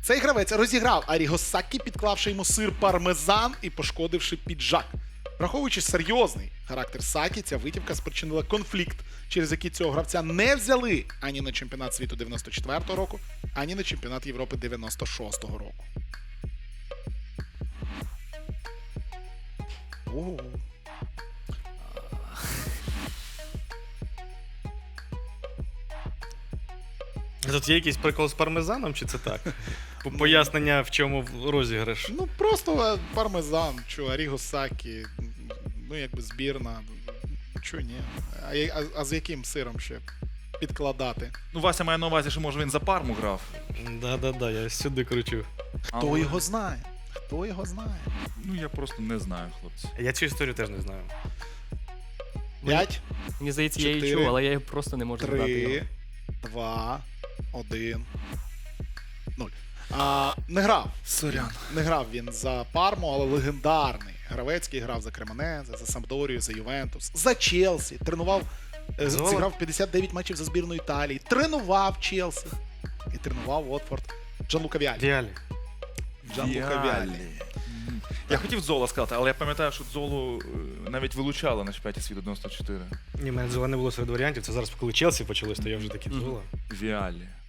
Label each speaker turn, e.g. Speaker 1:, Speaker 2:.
Speaker 1: Цей гравець розіграв Аріго Сакі, підклавши йому сир пармезан і пошкодивши піджак. Враховуючи серйозний характер Сакі, ця витівка спричинила конфлікт, через який цього гравця не взяли ані на чемпіонат світу 94-го року, ані на чемпіонат Європи 96-го року. Ого.
Speaker 2: Тут є якийсь прикол з пармезаном, чи це так? Пояснення, в чому розіграш.
Speaker 1: Ну просто пармезан, чо, Аріго Сакі, ну якби збірна, чо ні. А з яким сиром ще підкладати?
Speaker 3: Ну, Вася має на увазі, що може він за Парму грав.
Speaker 2: Да-да-да, я сюди кручу.
Speaker 1: Хто його знає? Хто його знає?
Speaker 3: Ну, я просто не знаю, хлопці.
Speaker 2: Я цю історію теж не знаю.
Speaker 1: 5,
Speaker 4: Мені здається, я її
Speaker 1: 4,
Speaker 4: чув, але я просто не можу згадати його.
Speaker 1: 3, 2, 1, 0. Не грав.
Speaker 3: Сорян.
Speaker 1: Не грав він за Парму, але легендарний гравець, який грав за Кремонезе, за Сампдорію, за Ювентус, за Челсі. Тренував, зіграв 59 матчів за збірну Італії. Тренував Челсі. І тренував Уотфорд. Джанлука Віалі.
Speaker 2: Віалі.
Speaker 1: Джанлука Віалі.
Speaker 3: Я хотів Зола сказати, але я пам'ятаю, що Золу навіть вилучали на чемпіонаті світу 94.
Speaker 2: Ні, в мене Зола не було серед варіантів. Це зараз, коли Челсі почалось, то я вже такий Зола.
Speaker 3: Віалі.